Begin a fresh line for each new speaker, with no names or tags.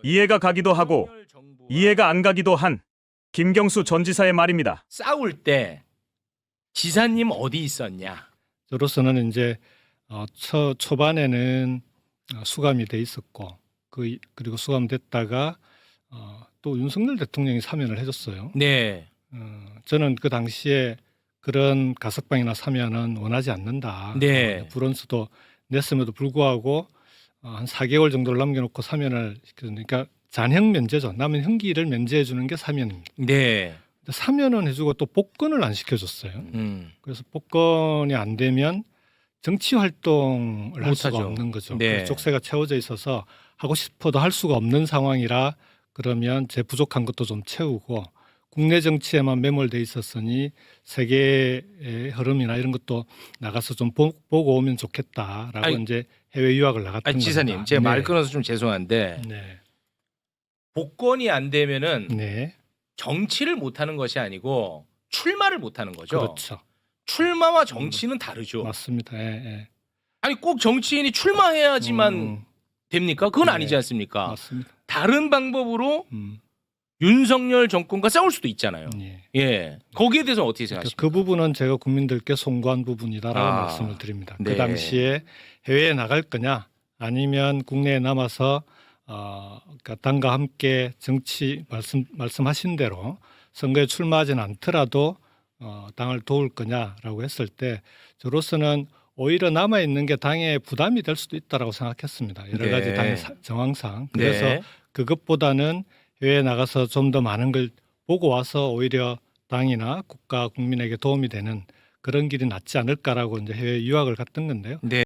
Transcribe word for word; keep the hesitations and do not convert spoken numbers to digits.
이해가 가기도 하고 이해가 안 가기도 한 김경수 전 지사의 말입니다.
싸울 때 지사님 어디 있었냐?
저로서는 이제 어, 초, 초반에는 어, 수감이 돼 있었고 그 그리고 수감됐다가 어, 또 윤석열 대통령이 사면을 해줬어요.
네.
어, 저는 그 당시에 그런 가석방이나 사면은 원하지 않는다.
네.
어, 불원수도 냈음에도 불구하고 어, 한 사 개월 정도를 남겨놓고 사면을 시켰으니까 잔형 면제죠. 남은 형기를 면제해 주는 게 사면입니다.
네.
근데 사면은 해주고 또 복권을 안 시켜줬어요.
음.
그래서 복권이 안 되면 정치 활동을 할 수가
못하죠.
없는 거죠.
네.
그래서 족쇄가 채워져 있어서 하고 싶어도 할 수가 없는 상황이라 그러면 제 부족한 것도 좀 채우고 국내 정치에만 매몰돼 있었으니 세계의 흐름이나 이런 것도 나가서 좀 보, 보고 오면 좋겠다라고
아니,
이제 해외 유학을 나갔던
아니,
겁니다.
지사님, 제가 말
네.
끊어서 좀 죄송한데
네.
복권이 안 되면은
네.
정치를 못 하는 것이 아니고 출마를 못 하는 거죠.
그렇죠.
출마와 정치는 다르죠.
맞습니다. 예, 예.
아니 꼭 정치인이 출마해야지만
음,
됩니까? 그건
네.
아니지 않습니까?
맞습니다.
다른 방법으로
음,
윤석열 정권과 싸울 수도 있잖아요.
예.
예. 거기에 대해서 어떻게 생각하십니까?
그 부분은 제가 국민들께 송구한 부분이다라고
아,
말씀을 드립니다.
네.
그 당시에 해외에 나갈 거냐 아니면 국내에 남아서 어, 그러니까 당과 함께 정치 말씀 말씀하신 대로 선거에 출마하지는 않더라도 어, 당을 도울 거냐라고 했을 때 저로서는 오히려 남아 있는 게 당에 부담이 될 수도 있다라고 생각했습니다. 여러
네.
가지 당의 사- 정황상 그래서
네.
그것보다는 해외에 나가서 좀 더 많은 걸 보고 와서 오히려 당이나 국가 국민에게 도움이 되는 그런 길이 낫지 않을까라고 이제 해외 유학을 갔던 건데요.
네.